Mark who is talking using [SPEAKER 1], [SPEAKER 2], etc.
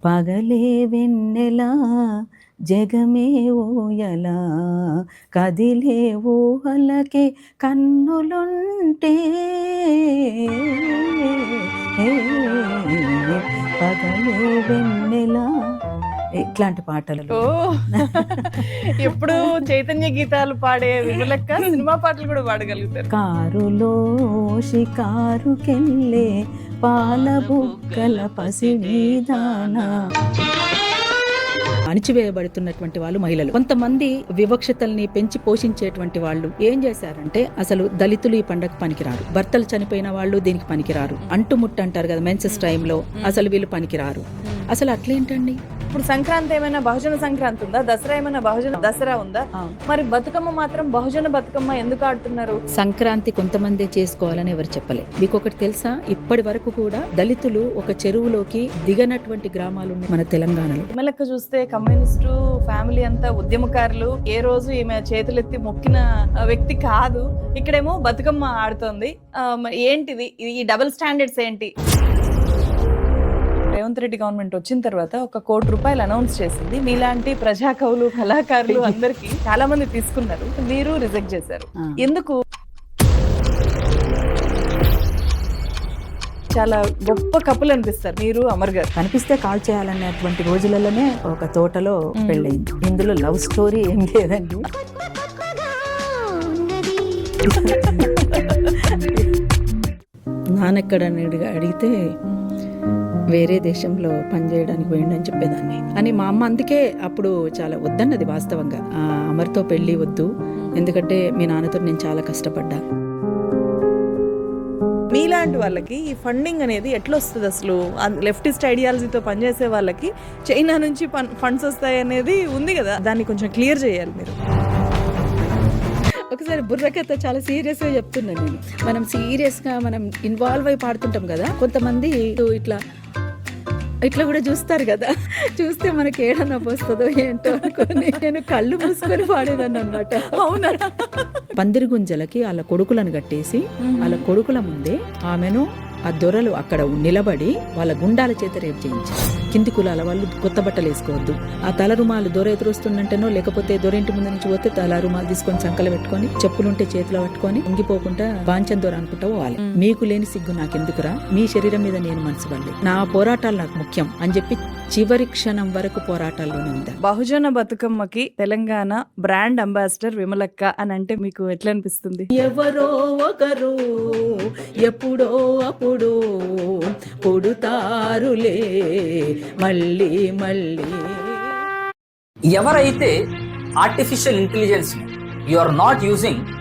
[SPEAKER 1] పగలే వెన్నెలా జగమే ఊయలా కదిలే ఊహలకే కన్నులుంటే పగలే వెన్నెలా ఇట్లాంటి పాటలు.
[SPEAKER 2] ఓ ఎప్పుడు చైతన్య గీతాలు పాడే విమలక్క సినిమా పాటలు కూడా పాడగలుగుతారు.
[SPEAKER 1] కారులో షికారుకెళ్ళే పాల బుక్కల పసిడిదానా. అణిచివేయబడుతున్నటువంటి వాళ్ళు మహిళలు. కొంతమంది వివక్షతల్ని పెంచి పోషించేటువంటి వాళ్ళు ఏం చేశారంటే అసలు దళితులు ఈ పండగ పనికిరారు, భర్తలు చనిపోయిన వాళ్ళు దీనికి పనికిరారు, అంటుముట్టు అంటారు కదా మెన్సెస్ టైంలో, అసలు వీళ్ళు పనికిరారు. అసలు అట్లేంటండి?
[SPEAKER 2] ఇప్పుడు సంక్రాంతి ఏమైనా బహుజన సంక్రాంతి ఉందా? దసరా ఏమైనా బహుజన దసరా ఉందా? మరి బతుకమ్మ మాత్రం బహుజన బతుకమ్మ ఎందుకు ఆడుతున్నారు?
[SPEAKER 1] సంక్రాంతి కొంతమంది చేసుకోవాలని ఎవరు చెప్పలే. మీకు ఒకటి తెలుసా, ఇప్పటి వరకు కూడా దళితులు ఒక చెరువులోకి దిగనటువంటి గ్రామాలు ఉన్నాయి మన తెలంగాణలో.
[SPEAKER 2] విమలక్క చూస్తే కమ్యూనిస్టు ఫ్యామిలీ అంతా ఉద్యమకారులు, ఏ రోజు ఈమె చేతులెత్తి మొక్కిన వ్యక్తి కాదు. ఇక్కడేమో బతుకమ్మ ఆడుతోంది. ఏంటిది ఈ డబుల్ స్టాండర్డ్స్ ఏంటి? రేవంత్ రెడ్డి గవర్నమెంట్ వచ్చిన తర్వాత ₹1 కోటి అనౌన్స్ చేసింది. మీలాంటి ప్రజా కవులు, కళాకారులు అందరికి చాలా మంది తీసుకున్నారు, మీరు రిజెక్ట్ చేశారు. ఎందుకు? చాలా గొప్ప కపుల్ అనిపిస్తారు మీరు, అమర్ గారు.
[SPEAKER 1] కనిపిస్తే కాల్ చేయాలనేటువంటి రోజులలోనే ఒక తోటలో పెళ్ళయింది. ఇందులో లవ్ స్టోరీ ఏం లేదండి. నాన్నెక్కడ అడిగితే వేరే దేశంలో పనిచేయడానికి పోయిండని చెప్పేదాన్ని అని మా అమ్మ. అందుకే అప్పుడు చాలా వద్దన్నది వాస్తవంగా, అమర్తో పెళ్ళి వద్దు, ఎందుకంటే మీ నాన్నతో నేను చాలా కష్టపడ్డా.
[SPEAKER 2] మీలాంటి వాళ్ళకి ఈ ఫండింగ్ అనేది ఎట్లా వస్తుంది? అసలు లెఫ్టిస్ట్ ఐడియాలజీతో పనిచేసే వాళ్ళకి చైనా నుంచి ఫండ్స్ వస్తాయి అనేది ఉంది కదా, దాన్ని కొంచెం క్లియర్ చేయాలి మీరు.
[SPEAKER 1] ఒకసారి బుర్రకథ చాలా సీరియస్గా చెప్తున్నాను నేను. మనం సీరియస్గా మనం ఇన్వాల్వ్ అయి పాడుతుంటాం కదా, కొంతమంది ఇట్లా కూడా చూస్తారు కదా, చూస్తే మనకి ఏడన్నా పోస్తుందో ఏంటో అనుకొని నేను కళ్ళు మూసుకొని పాడేదాన్ని అనమాట.
[SPEAKER 2] అవునా?
[SPEAKER 1] పందిరి గుంజలకి వాళ్ళ కొడుకులను కట్టేసి వాళ్ళ కొడుకుల ముందే ఆమెను ఆ దొరలు అక్కడ నిలబడి వాళ్ళ గుండాల చేత రేపు చేయించారు. కింది కులాల వాళ్ళు కొత్త బట్టలు వేసుకోవద్దు, ఆ తల రుమాలు దొర ఎదురొస్తుందంటేనో లేకపోతే దొరింటి ముందు నుంచి పోతే తల రుమాలు తీసుకొని సంకలు పెట్టుకొని, చెప్పులుంటే చేతిలో పట్టుకొని ఉంగిపోకుండా బాంచం దొర అనుకుంటా పోవాలి. మీకు లేని సిగ్గు నాకెందుకురా, మీ శరీరం మీద నేను మనసు పడలేదు, నా పోరాటాలు నాకు ముఖ్యం అని చెప్పి చివరి క్షణం వరకు పోరాటాల్లోనే ఉంది.
[SPEAKER 2] బహుజన బతుకమ్మకి తెలంగాణ బ్రాండ్ అంబాసిడర్ విమలక్క అని అంటే మీకు ఎట్లా అనిపిస్తుంది?
[SPEAKER 1] ఎవరో ఒకరు ఎప్పుడో అప్పుడు పుడుతారులే మళ్ళీ మళ్ళీ.
[SPEAKER 3] ఎవరైతే artificial intelligence you are not using